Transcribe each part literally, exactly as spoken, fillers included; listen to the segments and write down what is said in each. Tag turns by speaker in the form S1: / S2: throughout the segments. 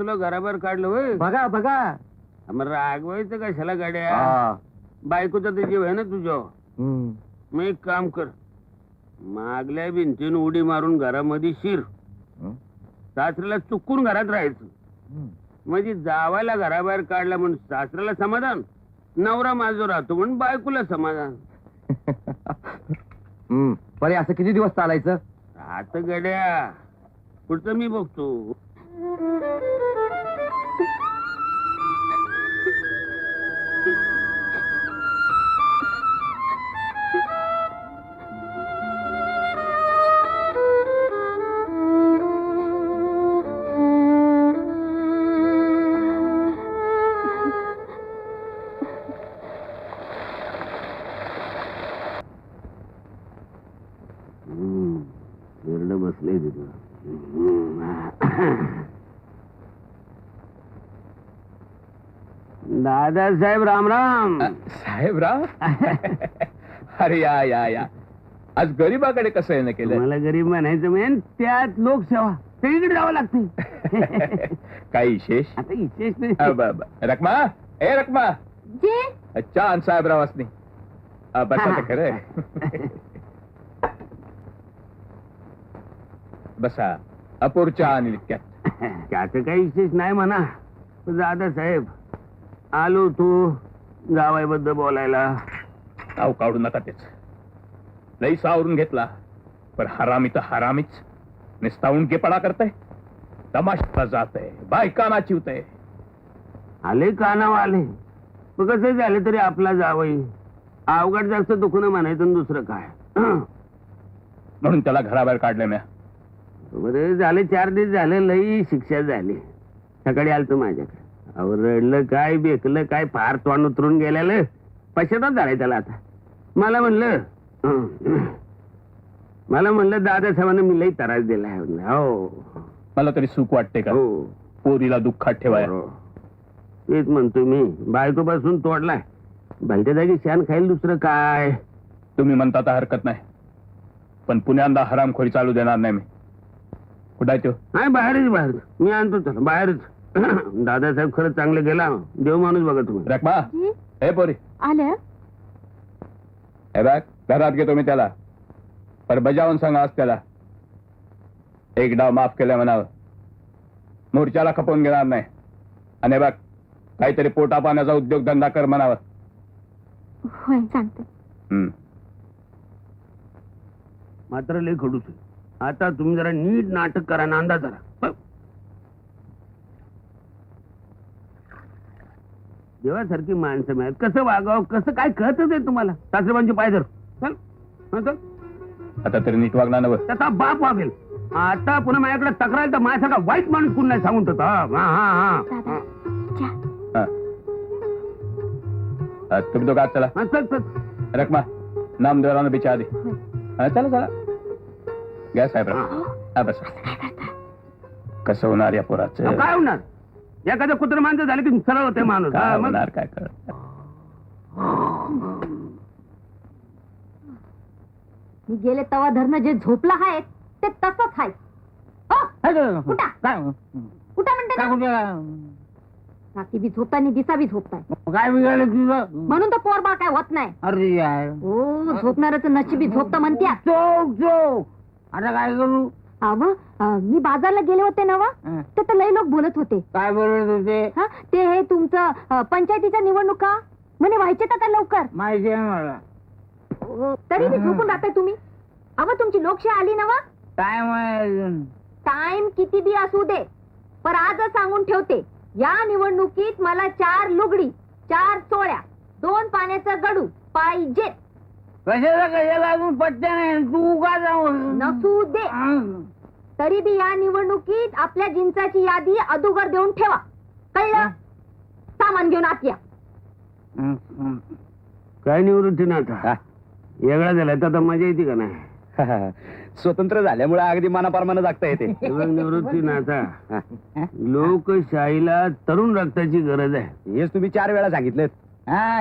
S1: तुला घराबाहेर काढलं होय?
S2: बघा बघा.
S1: मग रागवायचं कशाला गाड्या? बायकोचा ते जीव आहे ना तुझ्या. मग एक काम कर, मागल्या भिंतीन उडी मारून घरामध्ये शिर. सासऱ्याला चुकून घरात राहायचं. म्हणजे जावायला घराबाहेर काढला म्हणून सासऱ्याला समाधान, नवरा माझो राहतो म्हणून बायकोला समाधान.
S2: बरे असं किती दिवस चालायचं?
S1: आता गड्या पुढचं मी बघतो. बसले दादासाहेब राम राम.
S3: साहेब राम. अरे या या या आज गरीबाकडे कसं येणं केलं?
S1: मला गरीब म्हणायचं मेन त्यात लोकसेवा सगळीकडे जावं लागते.
S3: काही विशेष?
S1: आता विशेष नाही.
S3: रकमा ए रकमा छान साहेबराव असणे बसा. खरं बसा. अपूरच्या आणि
S1: त्याचं काही विशेष नाही म्हणा. दादासाहेब आलो तू गावाबद्दल बोलायला.
S3: नाव काढू नका तेच. लई सावरून घेतला पण हरामी तर हरामीच. निस्तावून केपणा करताय. तमाशा जात आहे, बायकांना चिवतय.
S1: आले कानाव आले. कसं झालं तरी आपला जावई अवघड जास्त दुखणं म्हणायचं दुसरं काय.
S3: म्हणून त्याला घराबाहेर काढले म्या.
S1: बरे झाले चार दिवस झाले लई शिक्षा झाली. सकाळी आलतो माझ्याकडे. अहो रडलं काय बेकलं काय फार तोंड उतरून गेलेलं. पश्चाताप झालाय त्याला. आता मला म्हणलं मला म्हणलं दादासाहेबांना मी लई त्रास दिलाय. हो
S3: मला तरी सुख वाटते का?
S1: हो
S3: पोरीला दुःखात ठेवाय.
S1: तेच म्हणतो मी. बायको पासून तोडलाय. भलत्या जागी शान खाईल दुसरं काय.
S3: तुम्ही म्हणता तर हरकत नाही पण पुण्यांदा हरामखोरी चालू देणार नाही मी. कुठं आहे तो?
S1: नाही बाहेरच बाहेर. मी आणतो त्याला बाहेरच. दादासाहेब खरंच चांगलं गेला. देव माणूस बघा तुम्ही.
S3: रकमा हे पोरी
S4: आल्या.
S3: हे बघ घरात घेतो मी त्याला पर बजावून सांगा आज त्याला एक डाव माफ केलं म्हणावं. मोर्चाला खपवून घेणार नाही. आणि बघ काहीतरी पोटा पाण्याचा उद्योगधंदा कर म्हणावं.
S4: होय सांगते.
S1: मात्र लय खडूच. आता तुम्ही जरा नीट नाटक करा. नांदा जरा. देवासारखी माणसं मिळत कसं वागावं कसं काय कळतच आहे तुम्हाला. सासरेबांचे पाय धर. चल चल.
S3: आता तरी नीट वागणार नव.
S1: त्याचा बाप वागेल. आता पुन्हा माझ्याकडे तक्रार तर माझ्यासारखा वाईट माणूस कोण नाही सांगून ठेवतो. हा हा
S4: हा
S3: तुम्ही दोघं आत चला.
S1: चल चल.
S3: रकमा नामदेवरानं बिचा आधी. चला चला घ्या साहेब. हा बस. कसं होणार या पोराचं?
S1: काय होणार? एखादं कुत्र माणसं झालं की सरळ होते माणूस.
S3: होणार काय कर.
S4: मी गेले तवा धरणं जे झोपला आहे ते तसंच आहे. उठा म्हणते. रात्री बी झोपताय आणि दिसा बी झोपताय.
S1: काय बिघडलं तुझं?
S4: म्हणून तर पोरबाळ काय होत नाही.
S1: अरे यार
S4: हो झोपणारच नशिबी झोपता म्हणत्या.
S1: चोक चोक. आता काय करू?
S4: अव मी बाजारला गेले होते ना वा तर लई लोक बोलत होते.
S1: काय बोलत होते?
S4: हा ते हे तुमचं पंचायतीच्या निवडणुका म्हणे व्हायचे आता लवकर.
S1: माहिती आहे मला.
S4: तरी बी झोपून राहताय तुम्ही. अव तुमची लोकशाही आली ना वा.
S1: टाइम आहे.
S4: टाइम किती बी असू दे पर आजच सांगून ठेवते या निवडणुकीत मला चार लुगडी चार चोळ्या दोन पाण्याचा गडू पाहिजे.
S1: कशाला कशाला अजून पट्ट्या नाही. तू का जाऊ
S4: नसू दे तरी बी या निवडणुकीत आपल्या जिंचाची यादी अदुगर देऊन ठेवा. कळलं? सामान घेऊन आत या.
S1: काय निवृत्ती ना आता वेगळा झाला तर मजा येते का नाही?
S2: स्वतंत्र झाल्यामुळे अगदी मनाप्रमाणे जगता येते.
S1: निवृत्ती ना आता लोकशाहीला तरुण रक्ताची गरज आहे.
S2: हेच तुम्ही चार वेळा सांगितलं.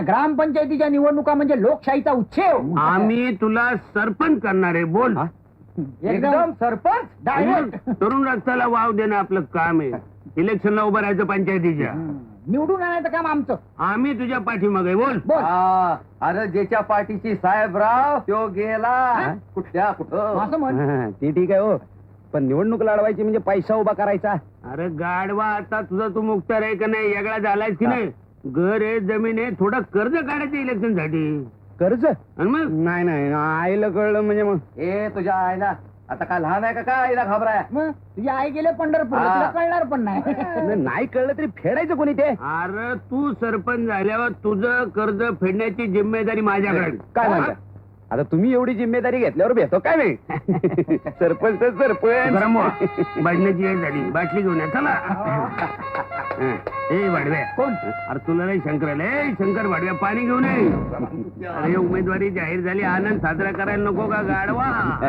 S2: ग्रामपंचायतीच्या निवडणुका म्हणजे लोकशाहीचा उच्छेद.
S1: आम्ही तुला सरपंच करणार आहे. बोल.
S2: एकदम सरपंच डायरेक्ट.
S1: तरुण रक्ताला वाव देणं आपलं काम आहे. इलेक्शनला उभं राहायचं पंचायतीच्या.
S5: निवडून आणायचं काम आमचं.
S1: आम्ही तुझ्या पाठीमागे बोल.
S5: बोल.
S2: हा, अरे ज्याच्या पाठीची साहेबराव तो गेला कुठल्या कुठं.
S5: असं म्हण.
S2: हा, ते ठीक आहे हो, पण निवडणूक लढवायची म्हणजे पैसा उभा करायचा.
S1: अरे गाडवा, आता तुझा तू मुक्तार आहे का नाही, वेगळा झालायस की नाही? घर आहे, जमीन आहे, थोडं कर्ज काढायचं इलेक्शन साठी.
S2: कर्ज
S1: आणि मग
S2: नाही नाही आईला कळलं म्हणजे मग ए तुझ्या आईला आता काय लहान आहे का काय आईला घाबराय.
S5: मग तुझी आई गेले पंढरपूरला,
S2: हा.
S5: तुला कळणार पण नाही.
S2: नाही कळलं तरी फेडायचं कोणी ते.
S1: अरे तू सरपंच झाल्यावर तुझं कर्ज फेडण्याची जिम्मेदारी माझ्याकडे.
S2: काय म्हणता आता तुम्ही एवढी जिम्मेदारी घेतल्यावर भेटतो काय नाही. सरपंच तर सरपंच.
S1: गरम व्हा. बाटलीची वेळ झाली, बाटली घेऊन या चला. हं. ए वाढव्या
S5: कोण?
S1: अरे तुला नाही शंकर ए शंकर वाढव्या पाणी घेऊन ये. अरे उमेदवारी जाहीर झाली, आनंद साजरा करायला नको का गाडवा?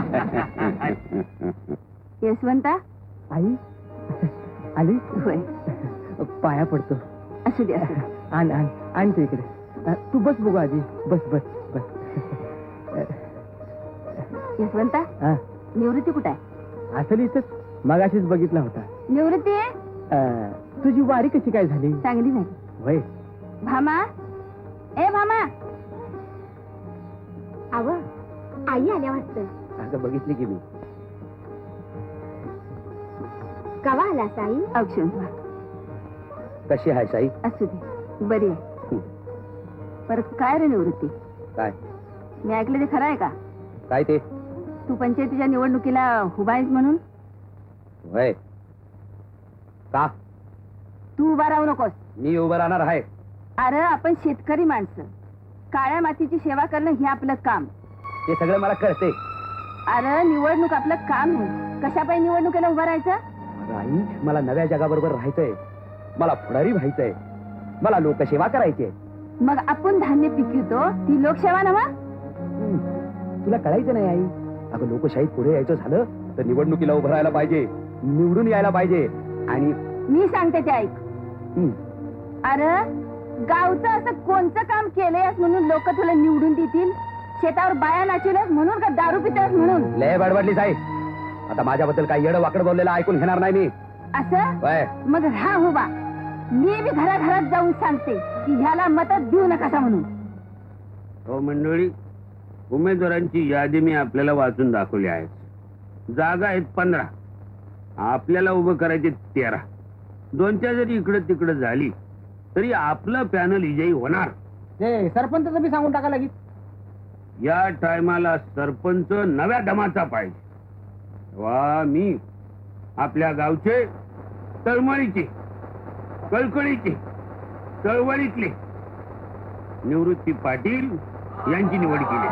S4: यशवंता
S5: आई आली.
S4: होय,
S5: पाया पडतो.
S4: असू दे असू दे.
S5: आण आण आण तू इकडे. अ, तू बस बघू आजी. बस बस बस.
S4: यशवंता
S5: हा,
S4: निवृत्ती कुठे आहे?
S5: असं इथंच मगाशीच बघितला होता.
S4: निवृत्ती
S5: अ, तुझी वारी कशी काय झाली?
S4: चांगली झाली.
S5: वय
S4: भामा, ए भामा. अव आई आल्या वाटतं.
S2: असं बघितली की मी.
S4: कवा आलास आई? औक्षण
S2: कशी आहे साई?
S4: असू दे, बरी आहे. परत काय रे निवृत्ती,
S2: काय
S4: मी ऐकलं ते खरं आहे का?
S2: काय ते
S4: तू पंचायतीच्या निवडणुकीला उभा आहेस म्हणून?
S2: वय का
S4: तू उभा राहू नकोस.
S2: मी उभं राहणार आहे.
S4: अरे आपण शेतकरी माणसं, काळ्या मातीची सेवा करणं हे आपलं काम.
S2: ते सगळं मला कळते.
S4: अरे निवडणूक आपलं काम नाही. कशा पाहिजे निवडणुकीला उभं राहायचं?
S2: अगं आई, मला नव्या जगाबरोबर राहायचंय. मला पुढारी व्हायचंय. मला लोकसेवा करायची आहे.
S4: मग आपण धान्य पिकवतो ती लोकसेवा नवा.
S2: तुला कळायचं नाही आई. अगं लोकशाहीत पुढे यायचं झालं तर निवडणुकीला उभं राहायला पाहिजे, निवडून यायला पाहिजे. आणि
S4: मी सांगते ते ऐक.
S2: हं,
S4: अरे गावचं असं कोणतं काम केलंयस म्हणून लोक तुला निवडून देतील? शेतावर बाया नाचवल्यास म्हणून का दारू पितास म्हणून?
S2: लय बडबडलीस आई. आता माझ्याबद्दल काही येडं वाकड बोललेलं ऐकून घेणार नाही मी.
S4: असं
S2: वय
S4: मग राहा उभा. मी बी घराघरात जाऊन सांगते की ह्याला मत देऊ नका म्हणून.
S1: हो मंडळी, उमेदवारांची यादी मी आपल्याला वाचून दाखवली आहे. जागा आहेत पंधरा, आपल्याला उभं करायचे तेरा. दोनच्या जरी इकडं तिकडं झाली तरी आपलं पॅनल विजयी होणार.
S5: ते सरपंच बी सांगून टाका लागेल.
S1: या टायमाला सरपंच नव्या दमाचा पाहिजे. वा मी आपल्या गावचे तळमळीचे, कळकळीचे, चळवळीतले निवृत्ती पाटील यांची निवड केली.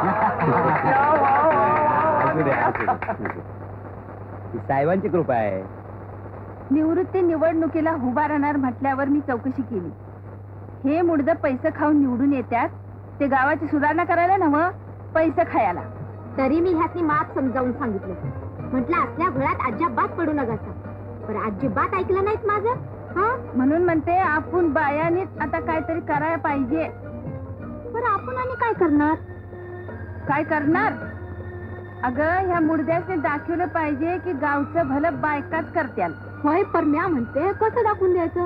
S2: असू दे, असू दे. ही साहेबांची कृपा आहे.
S4: निवृत्ती निवडणुकीला उभा राहणार म्हटल्यावर मी चौकशी केली. हे मुडद पैसे खाऊन निवडून येतात, ते गावाची सुधारणा करायला नव्ह, पैसे खायला.
S6: तरी मी ह्यातनी मात समजावून सांगितलं. म्हटलं असल्या घरात अजिबात पडू नका. पण अजिबात ऐकलं नाहीत माझं. हा,
S4: म्हणून म्हणते आपण बायानीच आता काहीतरी करायला पाहिजे.
S6: पण आपण आणि काय करणार?
S4: काय करणार? अगं ह्या मुडद्याने दाखवलं पाहिजे की गावचं भलं बायकाच करत्याल.
S6: होय, पर म्या म्हणते कसं दाखवून द्यायचं?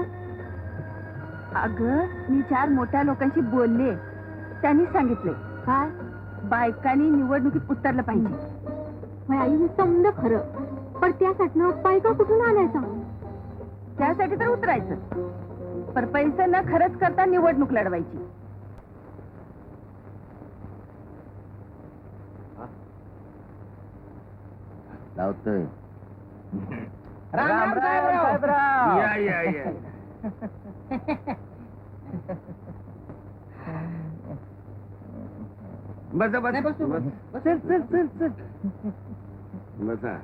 S4: अगं मी चार मोठ्या लोकांशी बोलले, त्यांनी सांगितले
S6: काय?
S4: बायकांनी निवडणुकीत उतरलं पाहिजे.
S6: होय आई, मी समज खरं, पण त्यासाठी बायका कुठून आणायचा?
S4: त्यासाठी तर उतरायचं, पर पैसे न खरंच करता निवडणूक लढवायची.
S2: लावतोय.
S5: राम राम साहेबराव.
S1: या या या बसा
S5: नाही, बस तू,
S1: बसा
S5: बस. बस. चल चल चल चल.
S1: बसा.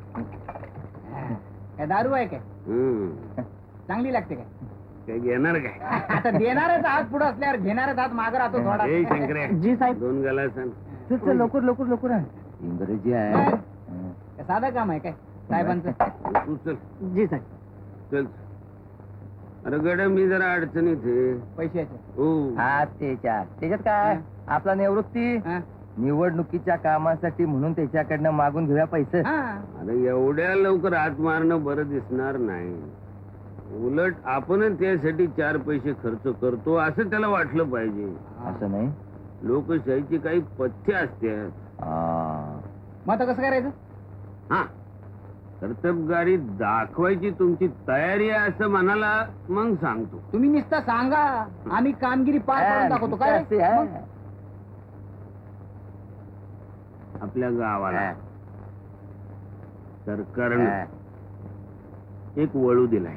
S5: काय दारू आहे काय?
S1: हम्म.
S5: चांगली लागते काय?
S1: काय घेणार काय?
S5: आता देणारच हात पुढे असल्यावर घेणारच हात मागे राहतो थोडा.
S1: ए शंकर्या,
S5: जी साहेब.
S1: दोन गाला सांग.
S5: चल चल लवकर लवकर लवकर आण.
S2: इंग्रजी आहे.
S5: काय साधं काम आहे काय साहेबांचं?
S1: तू चल
S5: जी साहेब.
S1: चल. अरे गड मी जरा अडचणीत आहे.
S5: पैशाचे.
S1: हो
S2: हा त्याच्यात त्याच्यात काय आपला निवृत्ती
S5: हा?
S2: निवडणुकीच्या कामासाठी म्हणून त्याच्याकडनं मागून घेऊया पैसे
S1: अरे एवढ्या लवकर हात मारणं बरं दिसणार नाही. उलट आपणच त्यासाठी चार पैसे खर्च करतो असं त्याला वाटलं पाहिजे.
S2: असं नाही.
S1: लोकशाहीची काही पथ्य असतात.
S5: मग आता कसं करायचं?
S1: हा, कर्तबगारी दाखवायची तुमची तयारी आहे असं मनाला मग सांगतो.
S5: तुम्ही नुसतं सांगा, आम्ही कामगिरी पार पाडून दाखवतो. काय रे? मग?
S1: आपल्या गावाला सरकारनं एक वळू दिलाय.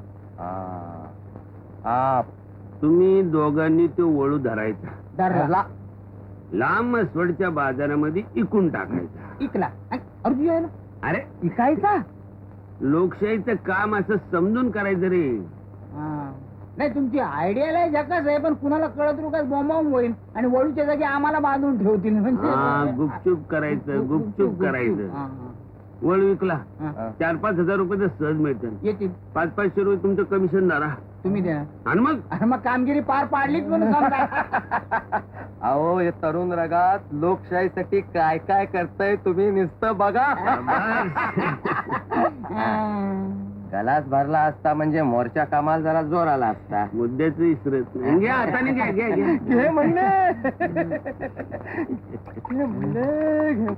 S1: तुम्ही दोघांनी तो वळू धरायचा,
S5: धरला.
S1: लांब मसवडच्या बाजारामध्ये इकून टाकायचा.
S5: इकला. अर्जुन आहे ना?
S1: अरे
S5: इकायचा?
S1: लोकशाहीचं काम असं समजून करायचं रे.
S5: हा. नाही, तुमची आयडिया लय झकास आहे, पण कुणाला कळत रुकाच बॉम्बावून होईल आणि वळूच्या जागी आम्हाला बांधून ठेवतील.
S1: हा,
S5: म्हणजे
S1: गुपचूप करायचं, गुपचूप करायचं.
S5: हा,
S1: वळू विकला,
S5: हा.
S1: चार पाच हजार रुपये तर सहज मिळतील.
S5: येतील.
S1: पाच पाचशे रुपये तुमचं कमिशन धरा
S5: तुम्ही द्या.
S1: आणि मग
S5: आणि मग कामगिरी पार पाडलीच म्हणून समजा.
S2: अहो, हे तरुण रगात लोकशाहीसाठी काय काय करताय तुम्ही नुसतं बघा. गलास भरला असता म्हणजे मोर्चा कामाला जरा जोर आला असता.
S1: मुद्द्याच विसरत नाही. घ्या हाताने घ्या घ्या घ्या
S2: घे म्हणले. घे म्हणले, घे.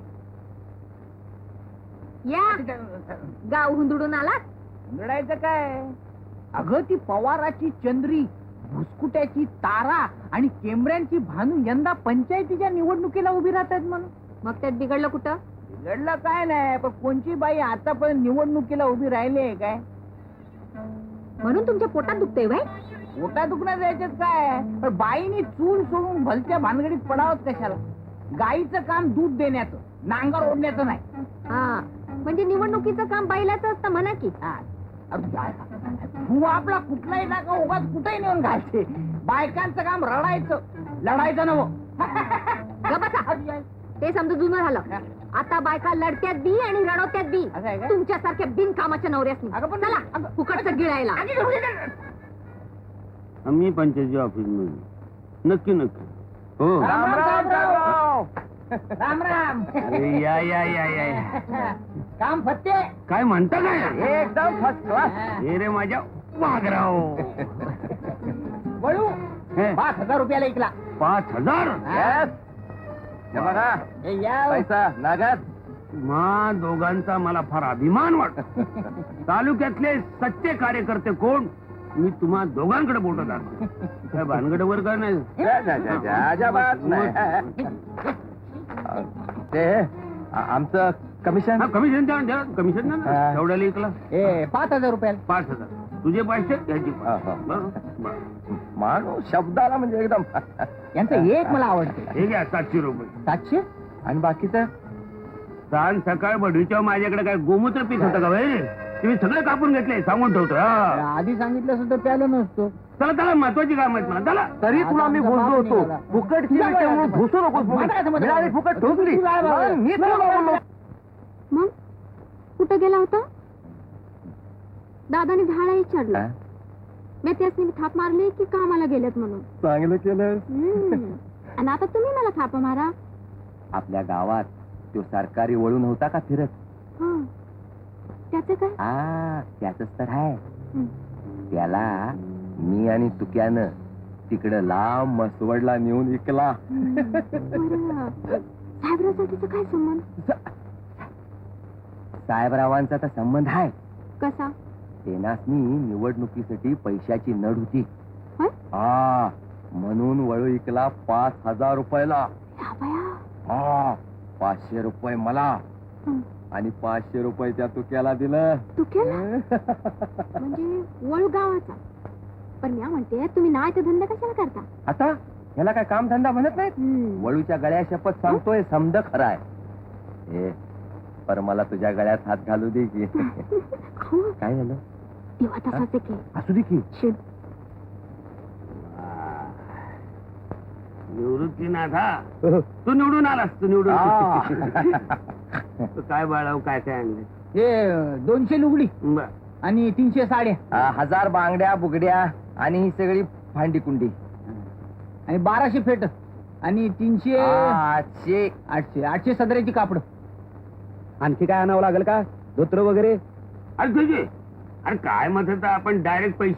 S6: या गाव हुंदडून आलात.
S5: लढायचं काय? अगं, ती पवाराची चंद्री, भुसकुट्याची तारा आणि केमऱ्यांची भानू यंदा पंचायतीच्या निवडणुकीला उभी राहतात म्हणून.
S6: मग त्यात बिघडलं कुठं?
S5: बिघडलं काय नाही, पण कोणची बाई आतापर्यंत निवडणुकीला उभी राहिली आहे काय?
S6: म्हणून तुमच्या पोटात दुखतंय बाई.
S5: पोटा दुखण्यात यायच्यात काय, पण बाईनी चूल सोडून भलत्या भानगडीत पडावत कशाला? गाईचं काम दूध देण्याचं, नांगर ओढण्याचं नाही.
S6: हा, म्हणजे निवडणुकीचं काम बैलाचं असतं म्हणा की.
S5: हा. अरे काय? तू आपला कुठलाही टाका उगाच कुठेही नेऊन घालते. बायकांचं काम रडायचं, लढायचं नवं.
S6: ग बसा. ते समजा जुनं झालं. आता बायका लढत्यात बी आणि रडवत्यात बी.
S5: असं आहे का?
S6: तुमच्यासारख्या बिनकामाच्या नवऱ्यासनी.
S5: अगं पण-
S6: चला
S5: अगं-
S6: फुकटचं गिळायला.
S1: आम्ही पंचायती ऑफिस मध्ये नक्की नक्की. हो,
S5: राम राम राम राम राम.
S1: अरे, या या या या या.
S5: काम फत्ते.
S1: काय म्हणता काय?
S2: एकदम फर्स्ट क्लास.
S1: हे रे माझ्या वाघराव.
S5: वळू
S1: हे,
S5: पाच हजार रुपयाला ऐकला.
S1: पाच हजार
S2: Yes. हे बघा,
S5: हे या.
S2: पैसा नागात.
S1: मा दोघांचा मला फार अभिमान वाटतो. तालुक्यातले सच्चे कार्यकर्ते कोण, मी तुम्हा दोघांकडे बोलत दाखव. काय भानगडवर काय नाही.
S2: जा, जा, जा, जा, अजिबात नाही. ते आ- आमचं कमिशन.
S1: हा, कमिशन द्या द्या कमिशन द्या
S2: हा.
S1: ना. एवढ्याला इकला
S5: ए पाच हजार रुपयाला.
S1: पाच हजार. तुझे पैसे ह्याची
S2: हा, हा. माणूस शब्दाला म्हणजे एकदम.
S5: यांचं एक मला आवडते.
S1: हे घ्या सातशे रुपये.
S5: सातशे.
S2: आणि बाकीचं
S1: सांग सकाळ बढीच्या माझ्याकडे काय गोमूत्र पीस होतं का भाई? तुम्ही सगळं कापून घेतले, सांगून ठेवतो. हा.
S5: आधी सांगितलं असं तर प्यालो नसतो.
S1: चला चला, महत्वाची काम आहेत मला. चला.
S2: तरी तुला मी बोललो होतो, फुकटची विषय म्हणून घुसू नकोस म्हणून. मिळाली फुकट ठोकली. मी तुला बोललो.
S6: मग कुठं गेला होता? दादाने झाडा विचारलं. मी त्यासनी थाप मारली की कामाला गेलेत म्हणून.
S2: चांगलं केलं.
S6: हम्म. आणि आता तुम्ही मला थाप मारा.
S2: आपल्या गावात तो सरकारी वळू नव्हता का फिरत?
S6: हा, त्याचं काय?
S2: हा, त्याच तर आहे.
S6: हं.
S2: त्याला मी आणि तुक्यानं तिकडं लांब मसवडला नेऊन विकला.
S6: बरं. साहेबरावसाठीचा काय संबंध?
S2: साहेबरावांचा तर संबंध आहे.
S6: कसा?
S2: तेनासनी निवडणुकीसाठी पैशाची नड होती.
S6: होय?
S2: हा, म्हणून वळू विकला पाच हजार रुपयाला.
S6: या बया.
S2: हा, पाचशे रुपये मला
S6: हं.
S2: आणि पाचशे रुपये त्या तुक्याला दिलं.
S6: तू केला म्हणजे वळू गावाचा. पण मी म्हणते तुम्ही नाही तर धंदा कशाला करता?
S2: आता ह्याला काय काम धंदा म्हणत नाहीत.
S6: हम्म.
S2: वळूच्या गळ्या शपथ सांगतोय, समद खरा आहे. ए, पर मला तुझ्या गळ्यात हात घालू दे की.
S6: अहो,
S2: काय झालं?
S6: तेव्हा तसाच आहे की.
S2: असू दे की.
S6: शिट.
S1: निवृत्तीनाथा, तू निवडून आलास. तू निवडून तू काय बाळाव, काय काय आणले?
S5: हे दोनशे लुगडी
S1: बर.
S5: आणि तीनशे साड्या
S2: आ, हजार बांगड्या बुगड्या आणि ही सगळी भांडी कुंडी.
S5: आणि बाराशे फेट. आणि तीनशे
S2: आठशे
S5: आठशे आठशे सदराची कापड.
S2: आणखी काय आणावं लागेल का धोत्र वगैरे?
S1: अरे तुझे अरे काय मत आपण डायरेक्ट पैसे